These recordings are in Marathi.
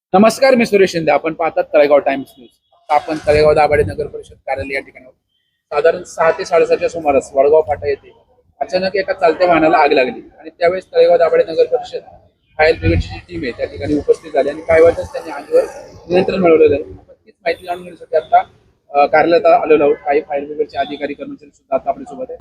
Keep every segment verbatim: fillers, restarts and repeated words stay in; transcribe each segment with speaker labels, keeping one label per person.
Speaker 1: नमस्कार, मी सुरेश शिंदे. आपण पाहतात तळेगाव टाइम्स न्यूज. आता आपण तळेगाव दाभाडे नगर परिषद कार्यालय या ठिकाणी आहोत. साधारण सहा ते साडेसातच्या सुमारास वडगाव फाटा येथे अचानक एका चालत्या वाहनाला आग लागली आणि त्यावेळेस तळेगाव दाभाडे नगर परिषद फायर ब्रिगेडची जी टीम आहे त्या ठिकाणी उपस्थित झाली आणि काही वेळातच त्यांनी आगीवर नियंत्रण मिळवलेलं आहे. आपण तीच माहिती जाणून घेण्यासाठी आता अ, कार्यालयात आलेलो आहोत. काही फायर ब्रिगेडचे अधिकारी कर्मचारी सुद्धा आता आपल्यासोबत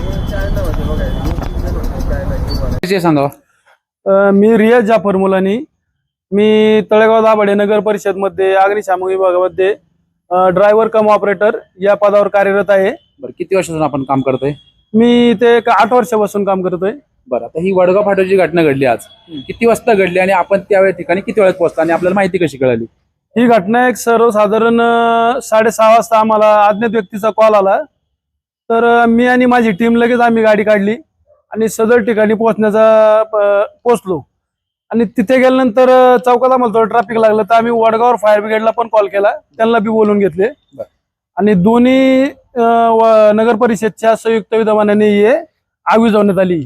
Speaker 1: आहेत. सांगा.
Speaker 2: अ, मी रियाज जाफर मुलानी. मी तळेगाव दाभाडे नगर परिषदमध्ये अग्निशामक विभागामध्ये ड्रायव्हर कम ऑपरेटर या पदावर कार्यरत आहे.
Speaker 1: बरं, किती वर्षापासून आपण काम करतोय?
Speaker 2: मी ते एक आठ वर्षापासून काम करतोय.
Speaker 1: बरं, आता ही वडगाव फाट्याची घटना घडली आज, किती वाजता घडली आणि आपण त्या ठिकाणी किती वेळात पोहोचला आणि आपल्याला माहिती कशी कळाली?
Speaker 2: ही घटना एक सर्वसाधारण अ, साडेसहा वाजता आम्हाला अज्ञात व्यक्तीचा कॉल आला. तर अ, मी आणि माझी टीम लगेच आम्ही गाडी काढली आणि सदर ठिकाणी पोहोचण्याचा प- पोहोचलो. आणि तिथे गेल्यानंतर अ, चौकात आम्हाला थोडं ट्रॅफिक लागलं तर आम्ही वडगाव फायर ब्रिगेडला पण कॉल केला, त्यांना बी बोलून घेतले.
Speaker 1: बरं.
Speaker 2: आणि दोन्ही अ, व- नगर परिषदच्या संयुक्त विद्यमानाने ही आग विझवण्यात आली.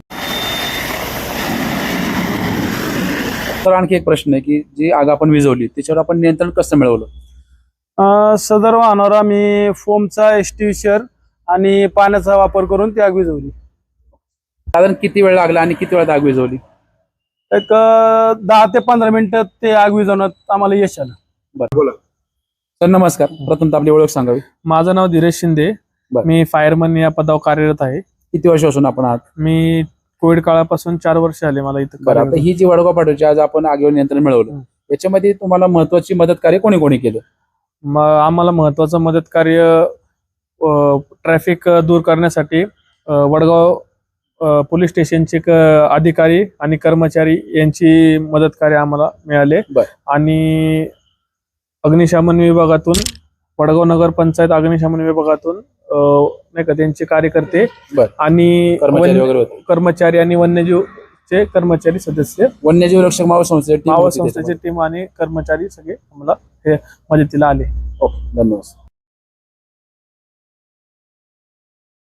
Speaker 1: तर आणखी एक प्रश्न आहे की जी आग आपण विझवली त्याच्यावर आपण नियंत्रण कसं मिळवलं?
Speaker 2: अ, सदर वाहनावर आम्ही फोमचा एक्सटिंग्विशर आणि पाण्याचा वापर करून ती आग विझवली.
Speaker 1: साधारण किती वेळ लागला आणि किती वेळात आग विझवली?
Speaker 2: एक अ, दहा ते पंधरा मिनिटात ते आग विझवण्यात आम्हाला यश आलं.
Speaker 1: बरं, बोला. सर नमस्कार, प्रथम आपली ओळख सांगावी.
Speaker 3: माझं नाव धीरज शिंदे.
Speaker 1: बरं.
Speaker 3: मी फायरमन या पदावर कार्यरत आहे.
Speaker 1: किती वर्षापासून आपण आहात?
Speaker 3: मी कोविड काळापासून चार वर्ष आले मला इथं
Speaker 1: बरं, आता
Speaker 3: कार्यरत.
Speaker 1: ही जी वडगाव फाट्याची आज आपण आगीवर नियंत्रण मिळवलं,
Speaker 3: हं.
Speaker 1: याच्यामध्ये तुम्हाला महत्वाची मदत कार्य कोणी कोणी केलं?
Speaker 3: म- आम्हाला महत्वाचं मदत कार्य ट्रॅफिक दूर करण्यासाठी अ, वडगाव अ, पोलीस स्टेशनचे क- अधिकारी आणि कर्मचारी यांची मदत कार्य आम्हाला मिळाले.
Speaker 1: बरं.
Speaker 3: आणि अग्निशमन विभागातून वडगाव नगर पंचायत अग्निशमन विभागातून अ, नाही का त्यांचे कार्यकर्ते
Speaker 1: बरं.
Speaker 3: आणि
Speaker 1: कर्मचारी
Speaker 3: वन्य-
Speaker 1: वगैरे होते?
Speaker 3: कर्मचारी आणि वन्यजीवचे कर्मचारी सदस्य,
Speaker 1: वन्यजीव रक्षक मावळ संस्थेची team
Speaker 3: मावळ
Speaker 1: होती
Speaker 3: संस्थेचे
Speaker 1: त्याच्यामध्ये.
Speaker 3: टीम आणि कर्मचारी सगळे आम्हाला हे मदतीला आले.
Speaker 1: ओके, धन्यवाद.